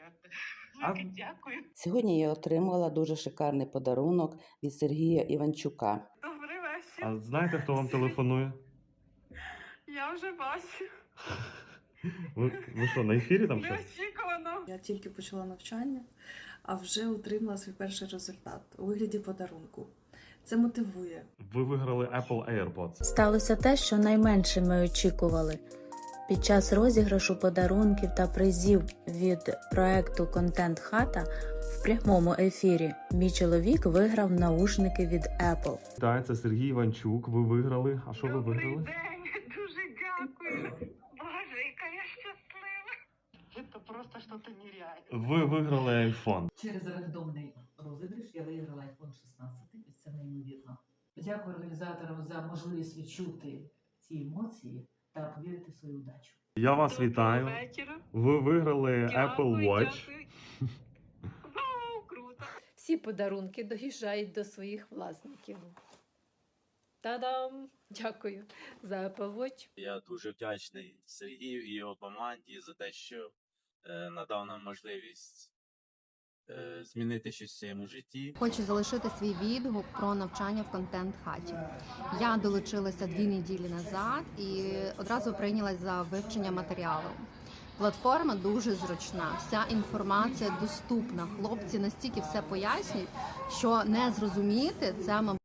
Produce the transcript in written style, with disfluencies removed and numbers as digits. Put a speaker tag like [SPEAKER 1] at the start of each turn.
[SPEAKER 1] А
[SPEAKER 2] Велике дякую.
[SPEAKER 3] Сьогодні я отримала дуже шикарний подарунок від Сергія Іванчука.
[SPEAKER 2] Добрий вечір.
[SPEAKER 1] а знаєте, хто вам телефонує?
[SPEAKER 2] Я вже бачу.
[SPEAKER 1] Ви що, на ефірі там щось?
[SPEAKER 2] Неочікувано.
[SPEAKER 4] Я тільки почала навчання, а вже отримала свій перший результат у вигляді подарунку. Це мотивує.
[SPEAKER 1] Ви виграли Apple AirPods.
[SPEAKER 5] Сталося те, що найменше ми очікували. Під час розіграшу подарунків та призів від проекту «Контент Хата» в прямому ефірі мій чоловік виграв наушники від Apple.
[SPEAKER 1] Так, це Сергій Іванчук. Ви виграли. А що ви
[SPEAKER 2] Добрий
[SPEAKER 1] виграли?
[SPEAKER 2] день. Дуже дякую. Боже, яка я щаслива. Це просто щось нереальне.
[SPEAKER 1] Ви виграли iPhone.
[SPEAKER 6] Через рандомний розіграш я виграла iPhone 16, і це неймовірно. Дякую організаторам за можливість відчути ці емоції та повірити в свою удачу.
[SPEAKER 1] Я вас вітаю.
[SPEAKER 2] Вечора.
[SPEAKER 1] Ви виграли Apple Watch.
[SPEAKER 2] Дякую. Вау, круто.
[SPEAKER 7] Всі подарунки доїжджають до своїх власників. Та-дам! Дякую за Apple Watch.
[SPEAKER 8] Я дуже вдячний Сергію і його команді за те, що надав нам можливість змінити щось в своєму житті.
[SPEAKER 9] Хочу залишити свій відгук про навчання в контент-хаті. Я долучилася 2 неділі назад і одразу прийнялась за вивчення матеріалу. Платформа дуже зручна, вся інформація доступна. Хлопці настільки все пояснюють, що не зрозуміти це, мабуть,